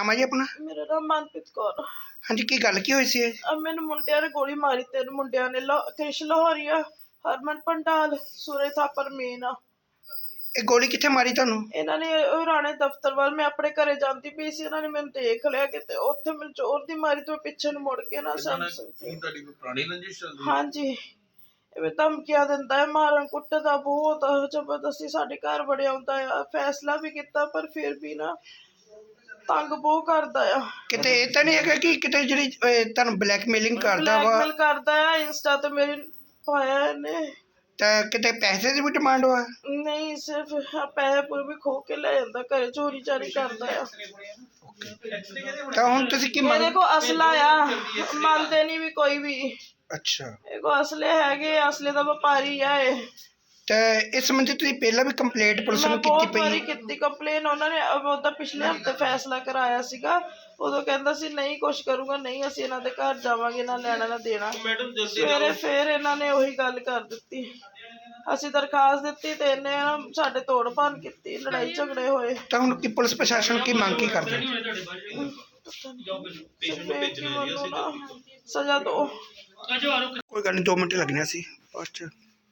नाम है जी अपना? मेरा नाम मनप्रीत कौर। हाँ जी, की गल की हुई सी? अब मैंने मुंडिया ने गोली मारी, 3 मुंडिया ने, कृष लाहौरिया, हरमन पंडाल, सूरज थापर मीना। ये गोली कित्थे मारी तुहानू? इन्हां ने राणे दफ्तर वाल, मैं अपने घरे जाती पई सी, इन्हां ने मैनूं देख लिया कि उत्थे मैनूं जोर दी मारी तो पिछे नूं मुड़ के ना समझ सकती। हाँ जी, इवें धमकियां दिंदा है, मारन कुट्टदा बहुत जबरदस्ती साडे घर बड़े आउंदा है। फैसला भी कीता पर फिर भी ना तंग बहुत करदा है। किते ये तां नहीं है कि किते जिहड़ी तुहानू ब्लैकमेलिंग करदा वा? ब्लैकमेल करदा है, इंस्टा ते मेरी पाया इहने। तां किते पैसे दी भी डिमांड वा? नहीं, सिर्फ पैसे पूरे भी खो के ले जांदा, घरे चोरी चारी करदा है। तां हुण तुसीं की मेरे मंग? को असला आ, मानते नहीं भी कोई भी। अच्छा, मेरे को असले हैगे, असले दा व्यापारी है ये। ते इस संबंधी तुसीं पहला भी कंप्लेंट पुलिस मैं नूं कीती बहुत पई बारी है? कीती कंप्लेन, उन्होंने ਉਹਦਾ पिछले हफ्ते फैसला कराया ਸੀਗਾ। ਉਦੋਂ ਕਹਿੰਦਾ ਸੀ ਨਹੀਂ ਕੁਛ ਕਰੂਗਾ, ਨਹੀਂ ਅਸੀਂ ਇਹਨਾਂ ਦੇ ਘਰ ਜਾਵਾਂਗੇ, ਨਾ ਲੈਣਾ ਨਾ ਦੇਣਾ। ਸਵੇਰੇ ਫੇਰ ਇਹਨਾਂ ਨੇ ਉਹੀ ਗੱਲ ਕਰ ਦਿੱਤੀ। ਅਸੀਂ ਦਰਖਾਸਤ ਦਿੱਤੀ ਤੇ ਇਹਨੇ ਸਾਡੇ ਤੋੜ ਭੰਨ ਕੀਤੀ, ਲੜਾਈ ਝਗੜੇ ਹੋਏ। ਤਾਂ ਹੁਣ ਕੀ ਪੁਲਿਸ ਪ੍ਰਸ਼ਾਸਨ ਕੀ ਮੰਗ ਕੀ ਕਰਦੇ? ਸਜ਼ਾ ਦੋ। ਕੋਈ ਗੱਲ ਨਹੀਂ, 2 ਮਿੰਟ ਲੱਗਣੇ ਸੀ ਬਾਅਦ ਚ।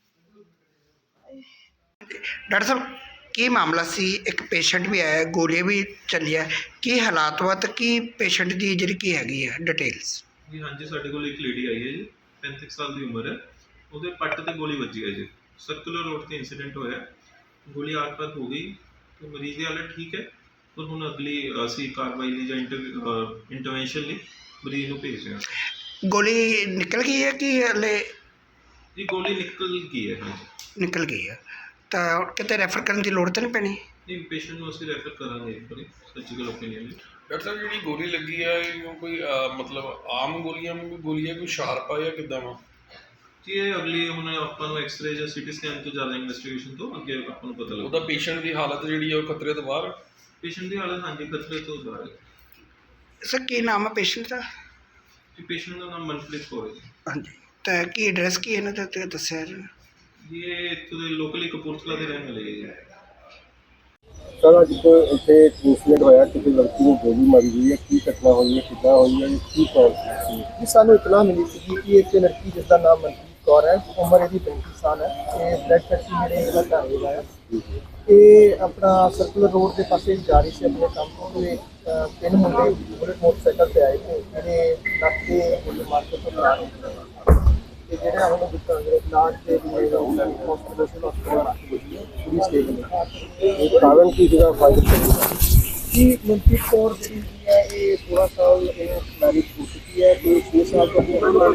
ਡਾਕਟਰ ਸਾਹਿਬ, ਕੀ ਮਾਮਲਾ ਸੀ? ਇੱਕ ਪੇਸ਼ੈਂਟ ਵੀ ਆਇਆ, ਗੋਲੀਆਂ ਵੀ ਚੱਲੀਆਂ, ਕੀ ਹਾਲਾਤ ਵਾ ਤੇ ਕੀ ਪੇਸ਼ੈਂਟ ਦੀ ਜਿਹੜੀ ਕੀ ਹੈਗੀ ਹੈ ਡਿਟੇਲਸ? ਜੀ ਹਾਂਜੀ, ਸਾਡੇ ਕੋਲ ਇੱਕ ਲੇਡੀ ਆਈ ਹੈ ਜੀ, 35 ਸਾਲ ਦੀ ਉਮਰ ਹੈ। ਉਹਦੇ ਪੱਟ ਤੇ ਗੋਲੀ ਵੱਜੀ ਹੈ ਜੀ, ਸਰਕੂਲਰ ਰੋਡ ਤੇ ਇੰਸੀਡੈਂਟ ਹੋਇਆ। ਗੋਲੀ ਆਤਪਤ ਹੋ ਗਈ ਤੇ ਮਰੀਜ਼ ਦੀ ਹਾਲਤ ਠੀਕ ਹੈ, ਪਰ ਹੁਣ ਅਗਲੀ ਅਸੀਂ ਕਾਰਵਾਈ ਲਈ ਜਾਂ ਇੰਟਰਵੈਂਸ਼ਨ ਲਈ ਮਰੀਜ਼ ਨੂੰ ਭੇਜ ਰਹੇ ਹਾਂ। ਗੋਲੀ ਨਿਕਲ ਗਈ ਹੈ ਕਿ ਹਲੇ? ਜੀ ਗੋਲੀ ਨਿਕਲ ਗਈ ਹੈ। ਹਾਂਜੀ, ਨਿਕਲ ਗਈ ਹੈ। ਤਾਂ ਕਿਤੇ ਰੈਫਰ ਕਰਨ ਦੀ ਲੋੜ ਤਾਂ ਨਹੀਂ ਪੈਣੀ? ਨਹੀਂ, ਪੇਸ਼ੈਂਟ ਨੂੰ ਅਸੀਂ ਰੈਫਰ ਕਰਾਂਗੇ ਇੱਕ ਵਾਰੀ ਸਰਜੀਕਲ ਓਪੀਨੀਅਨ ਲਈ। ਡਾਕਟਰ ਸਾਹਿਬ, ਜਿਹੜੀ ਗੋਲੀ ਲੱਗੀ ਹੈ ਉਹ ਕੋਈ ਮਤਲਬ ਆਮ ਗੋਲੀਆਂ ਵਾਂਗੂ ਗੋਲੀ ਹੈ, ਕੋਈ ਸ਼ਾਰਪ ਆ ਜਾਂ ਕਿੱਦਾਂ ਵਾ? ਜੀ ਇਹ ਅਗਲੀ ਹੁਣ ਆਪਾਂ ਨੂੰ ਐਕਸਰੇ ਜਾਂ ਸਿਟੀ ਸਕੈਨ ਤੋਂ ਜ਼ਿਆਦਾ ਇਨਵੈਸਟੀਗੇਸ਼ਨ ਤੋਂ ਅੱਗੇ ਆਪਾਂ ਨੂੰ ਪਤਾ ਲੱਗਦਾ। ਉਹਦਾ ਪੇਸ਼ੈਂਟ ਦੀ ਹਾਲਤ ਜਿਹੜੀ ਹੈ ਉਹ ਖਤਰੇ ਤੋਂ ਬਾਹਰ? ਪੇਸ਼ੈਂਟ ਦੀ ਹਾਲਤ ਹਾਂਜੀ ਖਤਰੇ ਤੋਂ ਬਾਹਰ ਹੈ। ਸਰ, ਕੀ ਨਾਮ ਹੈ ਪੇਸ਼ੈਂਟ ਦਾ? ਜੀ ਪੇਸ਼ੈਂਟ ਦਾ ਨਾਮ ਮਨਪ੍ਰੀਤ ਕੌਰ ਹੈ ਜੀ। ਹਾਂਜੀ, ਤਾਂ ਕੀ ਐਡਰੈਸ ਕੀ ਇਹਨਾਂ ਦਾ ਤੇ ਦੱਸਿਆ ਜੀ? ਜੀ ਇਹ ਇੱਥੋਂ ਦੇ ਲੋਕਲੀ ਕਪੂਰਥਲਾ ਦੇ ਰਹਿਣ ਵਾਲੇ ਹੈ ਜੀ। ਸਰ, ਅੱਜ ਇੱਥੇ ਇੰਸੀਡੈਂਟ ਹੋਇਆ, ਕਿਸੇ ਲੜਕੀ ਨੂੰ ਗੋਲੀ ਮਾਰੀ ਗਈ ਹੈ, ਕੀ ਘਟਨਾ ਹੋਈ ਹੈ, ਕਿੱਦਾਂ ਹੋਈ ਹੈ, ਕੀ ਕਾਰਨ ਸੀ? ਸਾਨੂੰ ਇਤਲਾਹ ਮਿਲੀ ਸੀ ਕਿ ਇੱਕ ਲੜਕੀ ਜਿਸ ਦਾ ਨਾਮ ਮਨਪ੍ਰੀਤ ਕੌਰ ਹੈ, ਉਮਰ ਇਹਦੀ 35 ਸਾਲ ਹੈ, ਇਹ ਬਲੱਡ ਫੈਕਟਰੀ ਜਿਹੜੇ ਇਹਦਾ ਘਰ ਹੈਗਾ ਹੈ। ਇਹ ਆਪਣਾ ਸਰਕੂਲਰ ਰੋਡ ਦੇ ਪਾਸੇ ਜਾ ਰਹੀ ਸੀ ਆਪਣੇ ਕੰਮ ਤੋਂ। ਇਹ 3 ਮੁੰਡੇ ਬੁਲਟ ਮੋਟਰਸਾਈਕਲ ਤੇ ਆਏ ਤੇ ਜਿਹੜੇ ਨਾਕੇ ਗੋਲੀ ਮਾਰ ਕੇ ਫਰਾਰ ਹੋ ਗਏ। ਤੇ ਜਿਹੜਾ ਹੁਣ ਇਲਾਜ ਦੇ ਲਈ ਹਸਪਤਾਲ ਪੂਰੀ ਸਟੇਜ ਇਹ ਕਾਰਨ ਕੀ ਸੀਗਾ ਫਾਇਰ ਜੀ। ਮਨਪ੍ਰੀਤ ਕੌਰ ਜਿਹੜੀ ਹੈ ਇਹ 16 ਸਾਲ ਮੈਰਿਜ ਹੋ ਚੁੱਕੀ ਹੈ ਤੇ 6 ਸਾਲ ਤੋਂ ਤੇ ਇਹਦਾ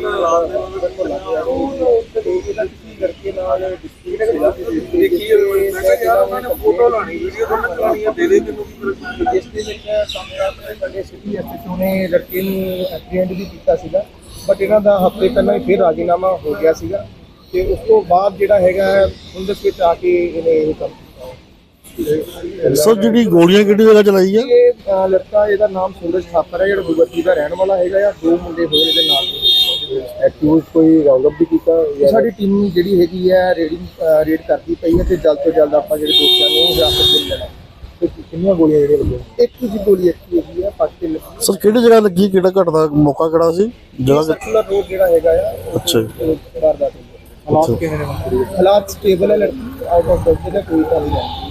ਕਿਸੇ ਲੜਕੇ ਨਾਲ ਡਿਸਪਿਊਟ ਸੀਗਾ। ਫੋਟੋ ਲਾਣੀ, ਵੀਡੀਓ ਬਣਾਉਣੀ ਹੈ, ਦੇ ਦੇ ਮੈਨੂੰ। ਜਿਸ ਦੇ ਵਿੱਚ ਸਾਹਮਣੇ ਸਾਡੇ ਸਿਟੀ ਐਸਐਚਓ ਨੇ ਲੜਕੇ ਨੂੰ ਐਪਰੀਹੈਂਡ ਵੀ ਕੀਤਾ ਸੀਗਾ, ਬਟ ਇਹਨਾਂ ਦਾ ਹਫ਼ਤੇ ਪਹਿਲਾਂ ਹੀ ਫਿਰ ਰਾਜੀਨਾਮਾ ਹੋ ਗਿਆ ਸੀਗਾ ਤੇ ਉਸ ਤੋਂ ਬਾਅਦ ਜਿਹੜਾ ਹੈਗਾ ਹੁੰਦਸ ਵਿੱਚ ਆ ਕੇ ਇਹਨੇ ਇਹ ਕੰਮ ਕੀਤਾ। ਸਰ, ਜਿਹੜੀ ਗੋਲੀਆਂ ਕਿਹੜੀ ਜਗ੍ਹਾ ਚਲਾਈ ਹੈ? ਇਹ ਲੜਕਾ, ਇਹਦਾ ਨਾਮ ਸੂਰਜ ਥਾਪਰ ਹੈ, ਜਿਹੜਾ ਗੁਰਬਤੀ ਦਾ ਰਹਿਣ ਵਾਲਾ ਹੈਗਾ ਆ। 2 ਮੁੰਡੇ ਹੋਏ ਇਹਦੇ ਨਾਲ। ਐਕਿਊਜ਼ ਕੋਈ ਰਾਉਂਡ ਅਪ ਵੀ ਕੀਤਾ? ਸਾਡੀ ਟੀਮ ਜਿਹੜੀ ਹੈਗੀ ਹੈ ਰੇਡ ਕਰਦੀ ਪਈ ਹੈ ਤੇ ਜਲਦ ਤੋਂ ਜਲਦ ਆਪਾਂ ਜਿਹੜੇ ਦੋਸ਼ੀਆਂ ਨੂੰ ਹਿਰਾਸਤ ਵਿੱਚ ਲੈਣਾ। ਕਿੰਨੀਆਂ ਗੋਲੀਆਂ ਜਿਹੜੀਆਂ ਲੱਗੀਆਂ? ਇੱਕ ਦੀ ਗੋਲੀ ਇੱਥੇ ਹੈਗੀ ਹੈ, ਪੱਟ ਤੇ ਲੱਗੀ। ਸਰ, ਕਿਹੜੀ ਜਗ੍ਹਾ ਲੱਗੀ, ਕਿਹੜਾ ਘਟਦਾ ਮੌਕਾ ਕਿਹੜਾ ਸੀ ਜਗ੍ਹਾ? ਸਰਕੂਲਰ ਰੋਡ ਜਿਹੜਾ ਹੈਗਾ ਆ। ਅੱਛਾ ਜੀ। ਵਾਰਦਾਤ ਹਾਲਾਤ ਕਿਵੇਂ ਨੇ? ਹਾਲਾਤ ਸਟੇਬਲ ਹੈ, ਲੜਕੀ ਆਊਟ ਆਫ ਡੈਂਜਰ ਹੈ, ਕੋਈ ਗੱਲ ਨਹੀਂ।